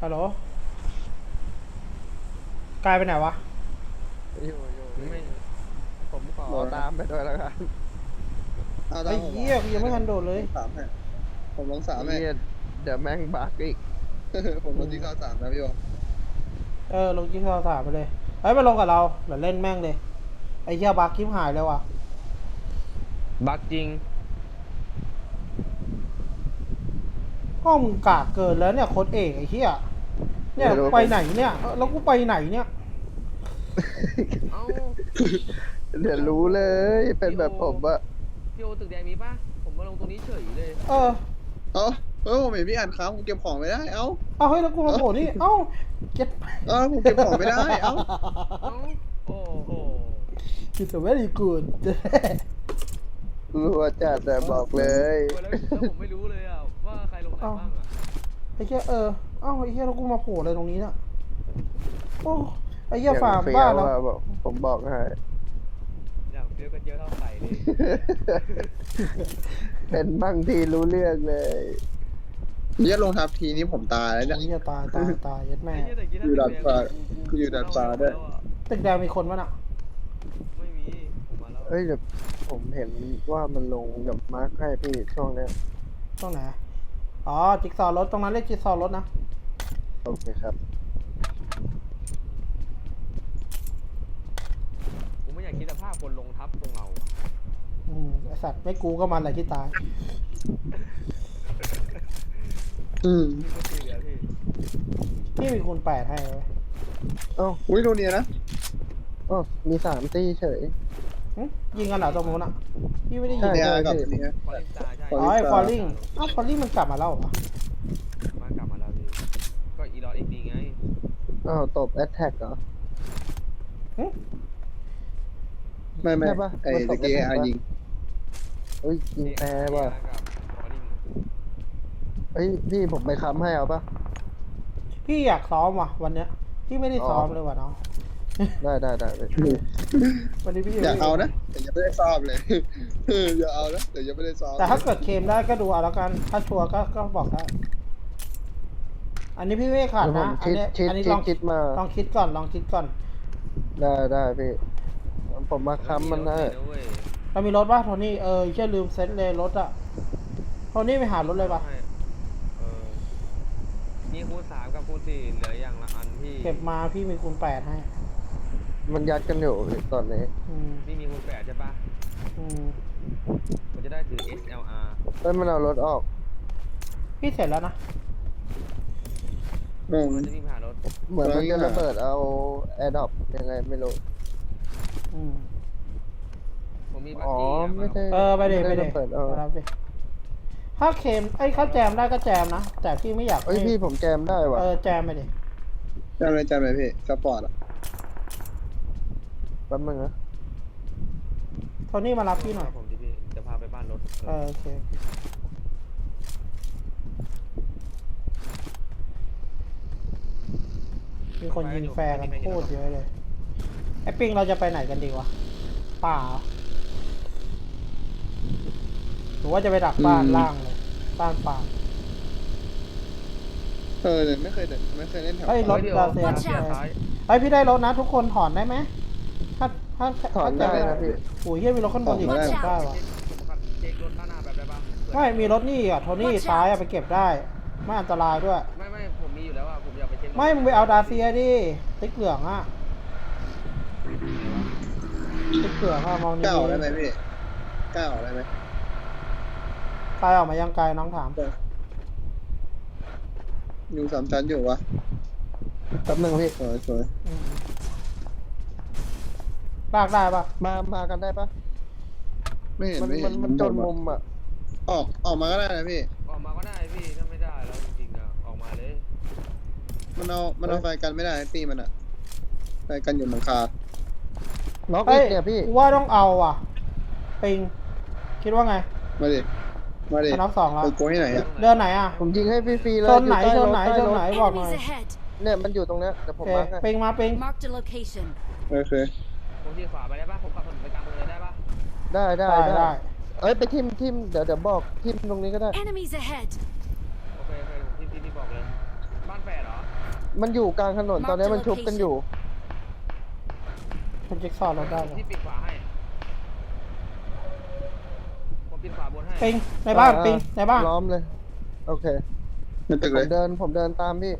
ฮัลโหลกลายไปไหนวะอยู่ไม่ผมขอตามไปด้วยแล้วกันเอาตาไอ้มผมเหี้ยกูยังไม่ทันโดดเลยสามให้ผมลงสามให้เหี้ยเดี๋ยวแม่งบักอีกผมลงที่เข้าสามนะพี่โอลงจิ๊กซอว์สามไปเลยเฮ้ยมาลงกับเราเดี๋ยวเล่นแม่งเลยไอ้เหี้ยบักคลิปหายเลยว่ะบักจริงห้องมึงกากเกินแล้วเนี่ยโค้ดเอกไอ้เหี้ยเนี่ยไปไหนเนี่ยแล้วกูไปไหนเนี่ยเอ้าเดี๋ยวรู้เลยเป็นแบบผมอะพี่โอตึกแดงมีป่ะ ผมมาลงตรงนี้เฉยเลยเออผมเห็นพี่อ่านค้างผมเก็บของไม่ได้ เอ้าเอาเฮ้ยแล้วกูมาโผล่นี่เอ้าเก็ตผมเก็บของไม่ได้ เอ้าเอ้า โอ้โหคิดแต่ว่าดีกูดรัวจัดแต่บอกเลยแล้วผมไม่รู้เลยอ่ะว่าใครลงไหนบ้างอ่ะไอ้เหี้ยเอ้าไอ้เหี้ยแล้วกูมาโผล่อะไรตรงนี้เนี่ยโอ้ไอ้เหี้ยอย่างฟาร์มเฟี้บ้ายวแล้วอะบอกผมบอกให้อย่างเดียวกันเยอะเท่าไข่เลยเป็นบางทีรู้เรื่องเลยเนี่ยลงทับทีนี้ผมตายแล้วเนี่ยไอ้เหี้ยตายยัดแม่ไอ้เหี้ยแต่กี้ถ้าอยู่ตึดาก ดแดงฟ้ากูอยู่ดาดฟ้าด้วยตึกแดงมีคนปะน่ะไม่มี ผมมาแล้วเอ้ยเดี๋ยวผมเห็นว่ามันลงกับมาร์คให้พี่ช่วงเนี้ยตรงไหนอ๋อจิ๊กซอว์รถตรงนั้นเรียกจิ๊กซอว์รถนะโอเคครับผมไม่อยากคิดสภาพคนลงทับตรงเราอะไอสัตว์ไม่กูก็มันแหละที่ตายนี่ก็คือเหลือพี่พี่มีคูณ8ให้ไหมเอ้าอุ้ยโดนเนี่ยนะอ้าวมี3 ตีเฉยยิงกันเหรอตรงนู้นอ่ะพี่ไม่ได้ยิงใช่เนี่ยกับเนี่ยฟอร์ลิงตาใช่ฟอ๋อไอฟอลลิ่งอ้าวฟอลลิ่งมันกลับมาแล้วเหรอมากลับมาแล้วพี่ ก็อีลอดเอ็กดีไงอ้าวตบแอตแทกเหรอไม่ใช่ปะไอ้มันตตะกกี้ได้ไหมยิงเฮ้ยยิงแอร์ว่ะกับฟอร์ลิงเฮ้ยพี่ผมไปค้ำให้เอาปะพี่อยากซ้อมว่ะวันเนี้ยพี่ไม่ได้ซ้อมเลยว่ะน้องได้วันนี้พี่อย่าเอานะแต่ยังไม่ได้ซ้อมเลย อย่าเอานะแต่ยังไม่ได้ซ้อมแต่ถ้าเกิดเคลมได้ก็ดูเอาแล้วกันถ้าชัวร์ก็บอกได้อันนี้พี่ไม่ขาดเดี๋ยวผนะมอันนี้ลองคิดมาลองคิดก่อนได้พี่ผมมาค้ำมันได้เรามีรถป่ะโทนี่แค่ลืมเซ็ตเลยรถอ่ะโทนี่ไปหารถเลยป่ะมีคูณ3กับคูณ4เหลืออย่างละอันพี่เก็บมาพี่มีคูณ8ให้มันยัดกันอยู่ตอนนี้พี่มีคูณ8ใช่ปะอืมผมจะได้ถือ SLR เฮ้ยมันเอารถออกพี่เสร็จแล้วนะมันจะวิ่งผ่านรถเหมือนมันจะระเบิดเอาแอร์ดรอปยังไงไม่รู้อืมผมมีบัคอ๋อกี้ไม่ได้ไปเดม่ระเบิดเอามารับดิถ้าเคลมถ้าแจมได้ก็แจมนะแต่พี่ไม่อยากเฮ้ยพี่ผมแจมได้ว่ะแจมไปดิจำเลยพี่สปอร์ตอ่ะแป๊บนึงนะโทนี่มารับพี่หน่อยผมดิพี่จะพาไปบ้านรถโอเคมีคนยิงแฟร์กันโคตรเยอะเลยไอ้ปิงเราจะไปไหนกันดีวะป่าเหรอหรือว่าจะไปดักบ้านล่างเลยบ้านป่าเนี่ยไม่เคยเล่นแถวเฮ้ยรถเราดาเซียซ้ายเฮ้ยพี่ได้รถนะทุกคนถอนได้ไหมถ้าถอนได้นะพี่โอ้ยเฮียมีรถข้างบนอีกถอนได้ได้วะผมขับเช็ครถด้านหน้าแบบได้ปะไม่มีรถนี่อ่ะโทนี่ซ้ายอะไปเก็บได้ ไม่อันตรายด้วยไม่ผมมีอยู่แล้วอ่ะผมอยากไปเช็คไม่มึงไปเอาดาเซียดิติ๊กเหลืองอ่ะติ๊กเหลืองอ่ะมองดีก้าวได้ไหมพี่ก้าวได้ไหมๆกายออกมายังไกลน้องถามอยู่สามชั้นอยู่วะแป๊บนึงพี่สวยอืมลากได้ปะมากันได้ปะไม่เห็นมันจนมุมอ่ะออกมาก็ได้นะพี่ออกมาก็ได้พี่ถ้าไม่ได้แล้วจริงๆอ่ะออกมาเลยมันเอาไฟกันไม่ได้ปีมันอะไฟกันอยู่หลังคาล็อกเฮ้อียกเนี่ยพี่กูว่าต้องเอาอ่ะปิงคิดว่าไงมาดิอันดับ2แล้วไปโกยที่ไหนอะเดินไหนอ่ะผมยิงให้ฟรีๆเลยโซนไหนอยู่โซใต้นรถไหนใต้รถบอกหน่อย Enemies ahead. เนี่ยมันอยู่ตรงเนี้ยเดี๋ยวผโอมเคมาร์คให้ปิงมาปิง Marked a location. โอเคผมที่ขวาไปได้ปะผมขับถนนไปกลางเมืองเลยได้ปะได้ได้เอ้ยไปทิมเดี๋ยวบอกทิมตรงนี้ก็ได้ Enemies ahead. โอเคผมที่บอกเลยบ้านแฝดเหรอมันอยู่กลางถนนตอนนี้มันชุบกันอยู่มันจิ๊กซอว์เราได้เหรอที่ปิดขวาให้ผมปิดขวาบนให้ปิงในบ้านอ่ปิงในบ้านล้อมเลย โอเคในตึกผเลยมเดินตามพี่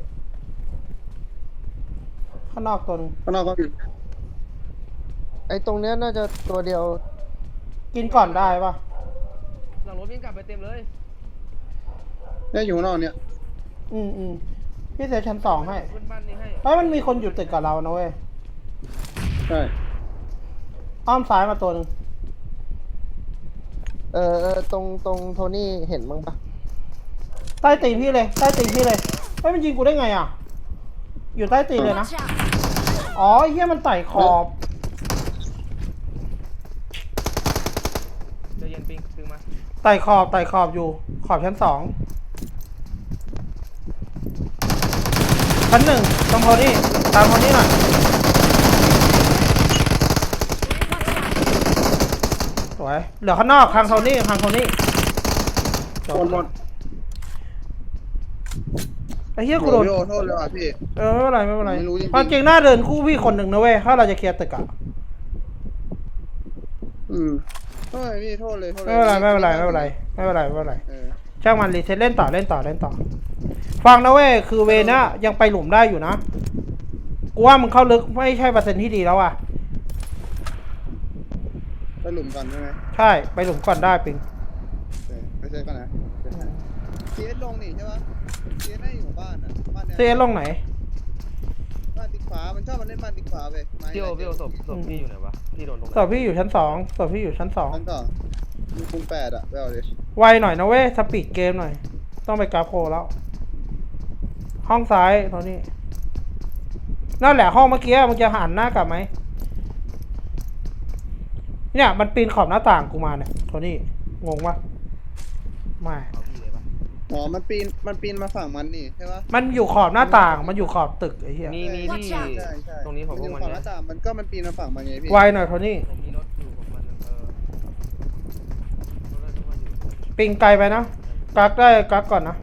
ข้างนอกตัวนึงข้างนอกก็มีไอ้ตรงเนี้ยน่าจะตัวเดียวกินก่อนได้ปะหลังรถวิ่งกลับไปเต็มเลยเนี่ยอยู่ข้างนอกเนี่ยพี่เซตชั้น2ให้ขึ้นบ้านนี้ให้เฮ้ยมันมีคนอยู่ตึกกับเรานะเว้ยใช่อ้อมซ้ายมาตัวนึงตรงโทนี่เห็นมั้งปะใต้ตีนพี่เลยใต้ตีนพี่เลยเฮ้ยมันยิงกูได้ไงอ่ะ อยู่ใต้ตีนเลยนะ Watch out! อ๋อไอ้เหี้ยมันไต่ขอบใจเย็นปิงตึงมาไต่ขอบอยู่ขอบชั้น2ชั้น1ตรงโทนี่ตามโทนี่หน่อยสวยเหลือข้างนอกทางโทนี่จหมบดหมดไอ้เหี้ยโอ้กูโดนโหโทษเลยว่ะพี่ไม่เป็นไรไม่รู้จริงๆความจริงหน้าเดินคู่พี่คนหนึ่งนะเว้ยถ้าเราจะเคลียร์ตึกอะโทษเลยพี่โทษเลยโทษเลยไม่เป็นไรเออช่างมันรีเซ็ตเล่นต่อฟังนะเว้ยคือเวน่ะยังไปหลุมได้อยู่นะกูว่ามึงเข้าลึกไม่ใช่เปอร์เซ็นต์ที่ดีแล้วอ่ะไปหลุมกันใช่ไหมใช่ไปหลุมก่อนได้ปิงโอเคไปเจอกันนะเซียสลงนี่ใช่ปะเซียสได้อยู่บ้านอ่ะบ้านเนี้ยเซลงไหนบ้านติ๊กฟ้ามันชอบมันเล่นบ้านติ๊กฟ้าไปพี่โอศพพี่อยู่ไหนวะพี่โดนตรงไหนส่วนพี่อยู่ชั้น2ส่วนพี่อยู่ชั้นชั้นต่อมีคูณ8อ่ะไปเอาดิ 2ไวหน่อยนะเว้ยสปีดเกมหน่อยต้องไปกราฟโคแล้ว ห้องซ้ายตอนนี้นั่นแหละห้องเมื่อกี้มึงจะหันหน้ากลับไหมเนี่ยมันปีนขอบหน้าต่างกูมาเนี่ยโทนี่งงปะไม่เอาพี่เลยปะอ๋อมันปีนมาฝั่งมันนี่ใช่ปะมันอยู่ขอบหน้าต่างมันอยู่ขอบตึกไอ้เหี้ยมีที่ Watch out ใช่ใช่ตรงนี้ของพวกมันฝั่งหนะน้าต่างมันปีนมาฝั่งมันไงพี่ไวหน่อยโทนี่ผมมีรถอยู่ของมันรถอะไรก็ว่าอยู่ปิงไกลไปนะกักได้กักก่อนนะ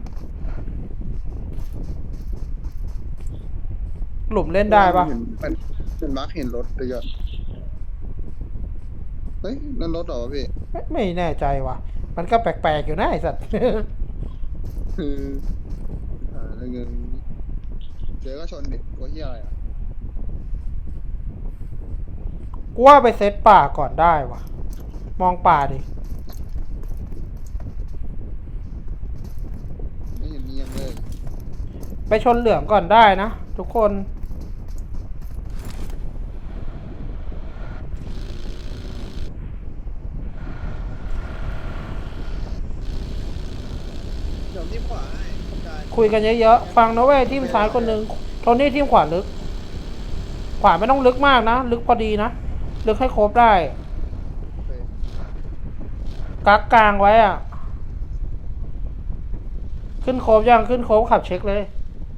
หลุมเล่นได้ปะเห็นมาร์คเห็นรถเยอะเฮ้ยนั่นรถเหรอวะพี่ไม่แน่ใจว่ะมันก็แปลกๆอยู่นะไอ้สัตว์คืออะไรเงี้ยเดี๋ยวก็ชนดิกลัวเฮียอะไรอ่ะกูว่าไปเซตป่าก่อนได้ว่ะ มองป่าดิไม่เห็นมียังเลยไปชนเหลืองก่อนได้นะทุกคนเดี๋ยวที่ขวาให้ได้คุยกันเยอะๆฟังนะเว้ยทีมซ้ายคนหนึ่งโทนี่ทีมขวาลึก ขวาไม่ต้องลึกมากนะ ลึกพอดีนะ ลึกให้ครบได้โอเคกักกลางไว้อ่ะ ขึ้นโครบยังขึ้นโครบขับเช็คเลย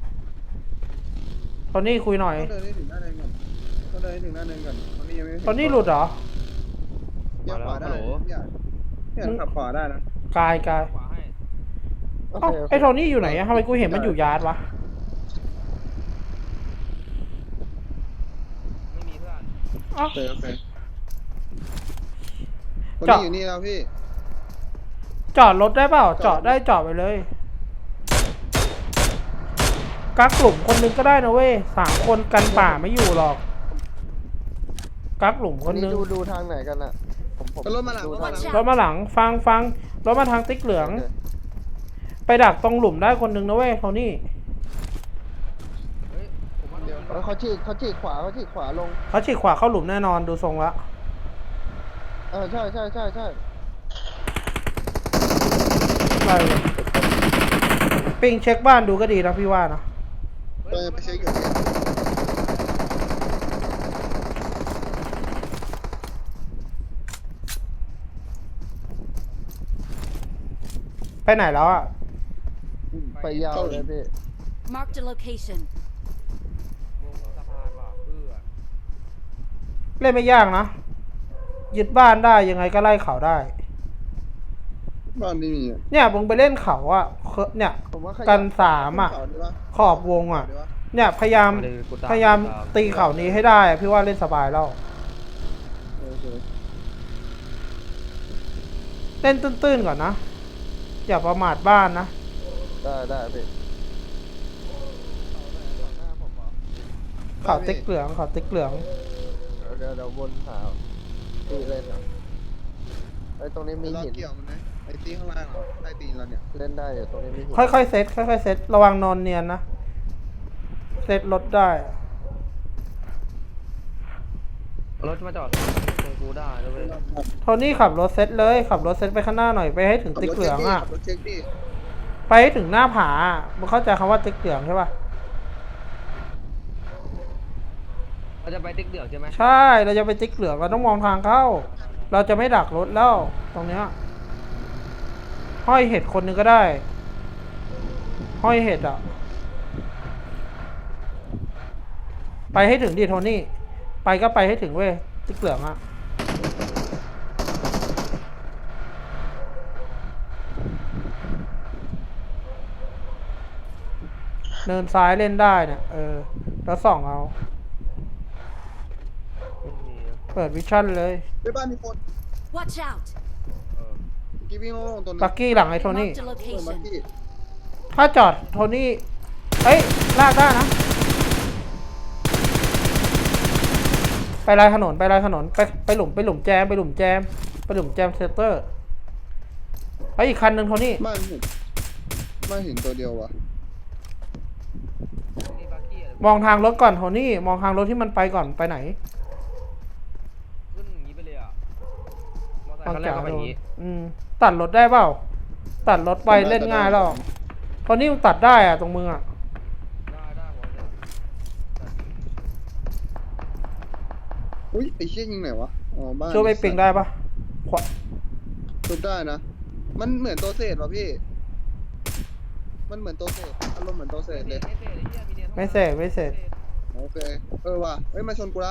โทนี่คุยหน่อยต้องเดินให้ถึงหน้าเนินก่อนต้องเดินให้ถึงหน้าเนินก่อนตอนนี้ยังไม่ถึงโทนี่หลุดเหรอเลี้ยวขวาได้เนี่ยขับขวาได้นะกายขวาให้โอเอ้าเคโอเคไอ้โทนี่อยู่ไหนอะทำไมกูเห็นมันอยู่ยาร์ดวะไม่มีเพื่อนเอ้าโอเคโอเคคนจอดนี้อยู่นี่แล้วพี่จอดรถได้เปล่า จอดได้จอดไปเลย กักกลุ่มคนหนึงก็ได้นะเว้ย3 คนกันป่าไม่อยู่หรอก กักกลุ่มควันนหนี้นึงดูทางไหนกันอะผมก็รถมาหลังดูรถมาหลังรถมาหลังฟังรถมาทางติ๊กเหลืองโอเคไปดักตรงหลุมได้คนหนึงนะเว้ยโทนี่เฮ้ยผมว่าต้องเขาฉีกขวาลงเขาฉีกขวาเข้าหลุมแน่นอนดูทรงละใช่ได้เลยปิงเช็คบ้านดูก็ดีนะพี่ว่านะไปเช็คอยู่พี่ไปไหนแล้วอ่ะไปยาวเลยพี่ Marked a location. วงสะพานว่ะเพื่อเล่นไม่ยากนะ ยึดบ้านได้ยังไงก็ไล่เขาได้บ้านนี่มีอ่ะเนี่ยมึงไปเล่นเขาอ่ะเนี่ยผมว่าขยับกัน3อ่ะขึ้นเขาดีวะขอบวงอ่ะดีวะเนี่ยพยายามประเด็นคือกูตพยายามตีเข่านี้ให้ได้อะพี่ว่าเล่นสบายแล้วโอเคเล่นตื้นๆก่อนนะ อย่าประมาทบ้านนะได้พี่หน้าผมเหรอข่าวติ๊กเหลืองข่าวติ๊กเหลืองเดี๋ยววนหาพี่เล่นอ่ะไอ้ตรงนี้มีเราหินเกี่ยวมันไหมไอ้ตีข้างล่างเหรอใต้ตีนเราเนี่ยเล่นได้อยู่ตรงนี้มีหินค่อยๆเซตค่อยๆเซตระวังนอนเนียนนะ เซตรถได้รถมาจอดตรงกูได้ด้วยโทนี่ขับรถเซตเลยขับรถเซตไปข้างหน้าหน่อยไปให้ถึงติ๊กเหลืองอ่ะขับรถเช็คดิไปให้ถึงหน้าผามึงเข้าใจคำว่าติ๊กเหลืองใช่ป่ะเราจะไปติ๊กเดือดใช่ไหมใช่เราจะไปติ๊กเหลืองเราต้องมองทางเข้า เราจะไม่ดักรถแล้วตรงเนี้ยห้อยเห็ดคนหนึงก็ได้ ห้อยเห็ดอ่ะไปให้ถึงดิโทนี่ไปก็ไปให้ถึงเว้ยติ๊กเหลืองอ่ะเนินซ้ายเล่นได้เนี่ยแล้วส่องเอาไม่มีนะเปิดวิชั่นเลยไปบ้านมีคน Watch out! เออกีวิ่งลงตรงนี้ปักกี้หลังไอ้โทนี่ Marked a เปิดมา location. กี้ถ้าจอดโทนี่ เอ้ย ลากได้นะ ไปลายถนนไปลายถนนไปหลุมแจมไปหลุมแจมเซตเตอร์ไปอีกคันหนึ่งโทนี่บ้านหินตัวเดียววะนี่บักกี้อะไรมองทางรถก่อนโทนี่มองทางรถที่มันไปก่อนไปไหนขึ้นอย่างนี้ไปเลยอ่ะมอเตอร์ไซฟังค์คันแรกจากก็ไปอย่างนี้ตัดรถได้เปล่า ตัดรถไปเล่นง่ายแล้วโทนี่มึงตัดได้อะตรงมึงอะได้หัวเนี่ยอุ้ยไอ้เชี่ยยิงไหนวะอ๋อบ้านช่วยไปปิงได้ปะขวาชุบได้นะ มันเหมือนตัวเศษวะพี่ มันเหมือนตัวเศษอารมณ์เหมือนตัวเศษเลยไม่เสร็จไม่เสร็จโอเคว่ะเอ้ยมาชนกูละ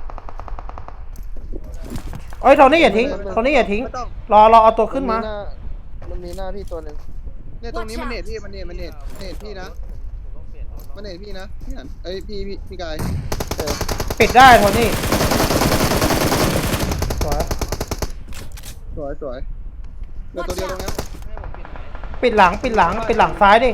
เอ้ยโทนี่อย่าทิ้งโทนี่อย่าทิ้งไม่ต้องรอเอาตัวขึ้นมามันมีหน้าพี่ตัวหนึ่งเนี่ยตรงนี้มันเนตพี่มันเนตพี่นะผมต้องเปลี่ยนรถมันเนตพี่นะพี่หันเอ้ยพี่กายปิดได้โทนี่สวยสวยเดี๋ยวตัวเดียวตรงเนี้ยให้ผมเปลี่ยนไหนปิดหลังซ้ายดิ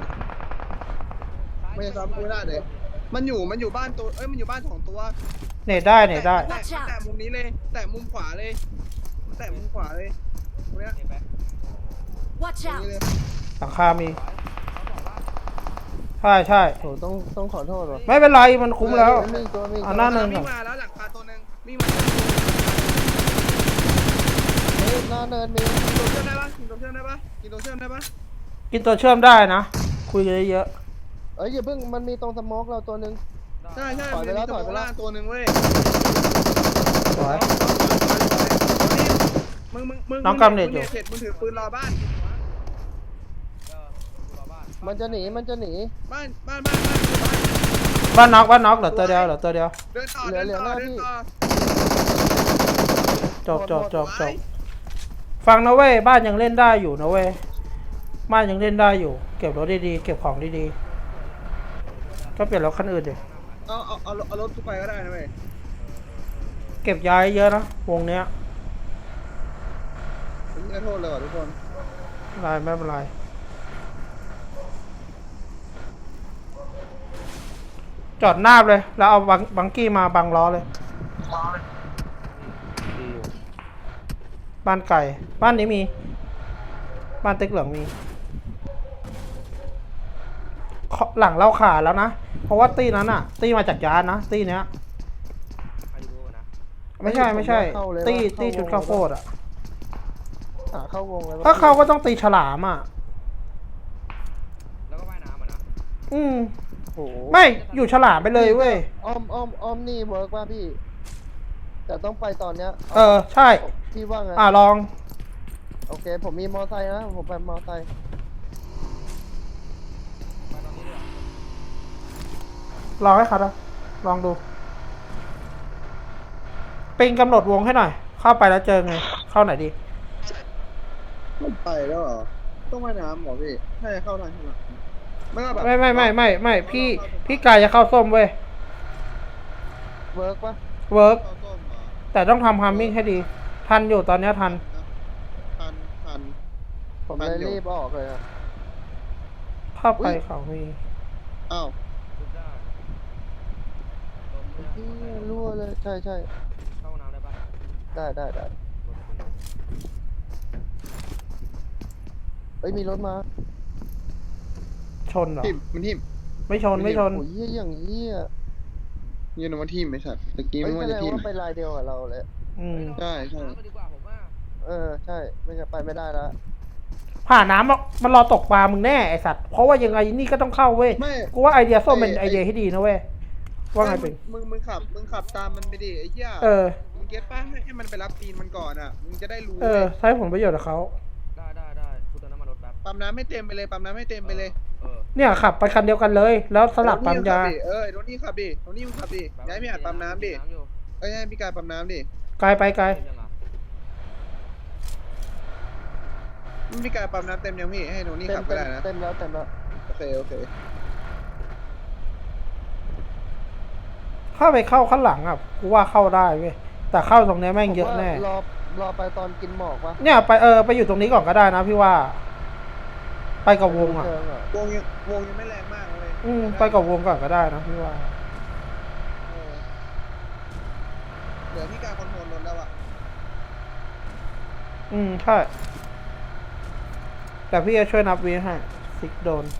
ไม่ใช่ซ้ำกูไม่ได้เลยมันอยู่บ้านตัวเอ้ยมันอยู่บ้าน2ตัวเนตได้แต่มุมนี้เลย แต่มุมขวาเลยแต่มุมขวาเลยตรงเนี้ยเห็นไหม Watch ตรงนี้ out! เลยหลังคามี ใช่โหต้องขอโทษว่ะไม่เป็นไรมันคุ้มแล้วมีตัวมีเอาหน้าตัวเนินก่อนวิ่งมาแล้วหลังคาตัวนึงวิ่งมาเฮ้ยหน้าเนินมีกินตัวเชื่อมได้ปะกินตัวเชื่อมได้ปะกินตัวเชื่อมได้นะ คุยกันเยอะเอ้ยอย่าเพิ่งมันมีตรงสโมกเราตัวหนึ่งใช่ถอยไปแล้วมีตัวถอยไปแล้วล่างตัวนึงเว้ยๆสวยมึงน้องกำเนิดอยู่เสร็จมึงถือปืนรอบ้านกูรอบ้านมันจะหนีบ้านบ้านน็อกเหลือตัวเดียวเดินต่อเหลือเดินเหลือต่อหน้าเดินที่ต่อจบฟังนะเว้ยบ้านยังเล่นได้อยู่นะเว้ยบ้านยังเล่นได้อยู่ เก็บรถดีๆเก็บของดีๆก็เปลี่ยนรถคันอื่นดิเอารถทุกไปก็ได้นะเว้ยเก็บย้ายเยอะนะวงเนี้ยผมไม่โทษเลยว่ะทุกคนไม่เป็นไรจอดหน้าเลยแล้วเอาบังกี้มาบังล้อเลยดีอยู่บ้านไก่บ้านนี้มี บ้านติ๊กเหลืองมีหลังเราขาดแล้วนะ เพราะว่าตีนั้นอะตีมาจากยานนะตีเนี้ยใครรู้นะไม่ใช่ตีชุดข้าวโพดอะหาเข้าวงเลยถ้าเขาก็ต้องตีฉลามอะแล้วก็ว่ายน้ำอ่ะนะโอ้โหไม่อยู่ฉลามไปเลยเว้ยอ้อมนี่เวิร์กป่ะพี่ แต่ต้องไปตอนเนี้ยใช่พี่ว่าไงลองโอเค ผมมีมอไซค์นะ ผมไปมอไซค์ไปตอนนี้เลยเหรอลองให้เขาดูลองดูปิงกำหนดวงให้หน่อย เข้าไปแล้วเจอไง เข้าไหนดีไม่ไปแล้วเหรอต้องว่ายน้ำเหรอพี่น่าจะเข้าทางข้างหลังไม่ว่าแบบไม่พี่กายจะเข้าส้มเว้ยเวิร์กปะเวิร์กเข้าส้มเหรอแต่ต้องทำฮาร์มมิ่งให้ดี ทันอยู่ตอนเนี้ยทันทันผมมันเลยอยู่รีบออกเลยอะเข้าไปเขามีอ้าวสุดได้ล้มเนี่ยที่รั่วเลยใช่เข้าห้องน้ำได้ปะได้เอ้ยมีรถมาชนเหรอทิมมันทิมไม่ชนไม่ชนโอ้ยเหี้ยอย่างเหี้ยยืนว่าทิมไอ้สัตว์ตะกี้เฮ้ยไม่แสว่าดจะงทิมว่าไปลายเดียวกับเราเลยอืมใช่น้ำไปดีกว่าผมว่าใช่ไม่งั้นไปไม่ได้แล้วผ่านน้ำมันรอตกปลามึงแน่ไอสัตว์ เพราะว่ายังไงนี่ก็ต้องเข้าเว้ยไม่กูว่าไอเดียส้มเป็นไอเดียที่ดีนะเว้ย ว่าไงเป็นมึงขับตามมันไปดิไอ้เหี้ยเออมึงเก็ตป่ะให้มันไปรับตีนมันก่อนอ่ะมึงจะได้รู้เออ ใช้ผลประโยชน์กับเขาได้กูเติมน้ำมันรถแป๊บปั๊มน้ำให้เต็มไปเลยปั๊มน้ำให้เต็มไปเลยเนี่ยขับไปคันเดียวกันเลย แล้วสลับปั๊มยาโทนี่ขับดิโทนี่มึงขับดิย้ายพี่อาจปั๊มน้ำดิเอ้ยให้พี่กายปั๊มน้ำดิไกลไปไกลพี่กายปั๊มน้ำเต็มยังพี่ให้โทนี่ขับก็ได้นะเต็มแล้วโอเคเข้าไปเข้าข้างหลังอ่ะ กูว่าเข้าได้เว้ย แต่เข้าตรงเนี้ยแม่งเยอะแน่ผมว่ารอไปตอนกินหมอกปะเนี่ยไปไปอยู่ตรงนี้ก่อนก็ได้นะพี่ว่า ไปกับวงอ่ะเชิงอะวงยังไม่แรงมากเลยไปกับวงก่อนก็ได้นะพี่ว่าเหลือพี่กายคอนโทรลรถแล้วอ่ะใช่ แต่พี่จะช่วยนับวีให้ซิกโดน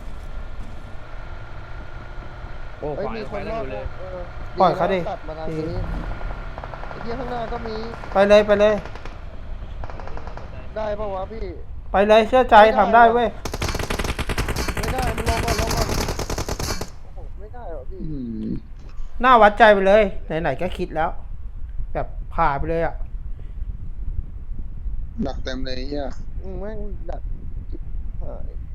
โอ้เฮ้ยขวามียังคไปนได้รออบ ยู่เลยปล่อยเขาดิตัดมาทางนี้ไอ้เหี้ยข้างหน้าก็มีไปเลยไปเลยได้ปะวะพี่ไปเลยเชื่อใจทำได้เว้ยไม่ได้มันลงก่อนโอ้โหไม่ได้หรอพี่หน้าวัดใจไปเลย ไหนๆก็คิดแล้ว แบบผ่าไปเลยอ่ะดักเต็มเลยเฮียแม่งดักหาย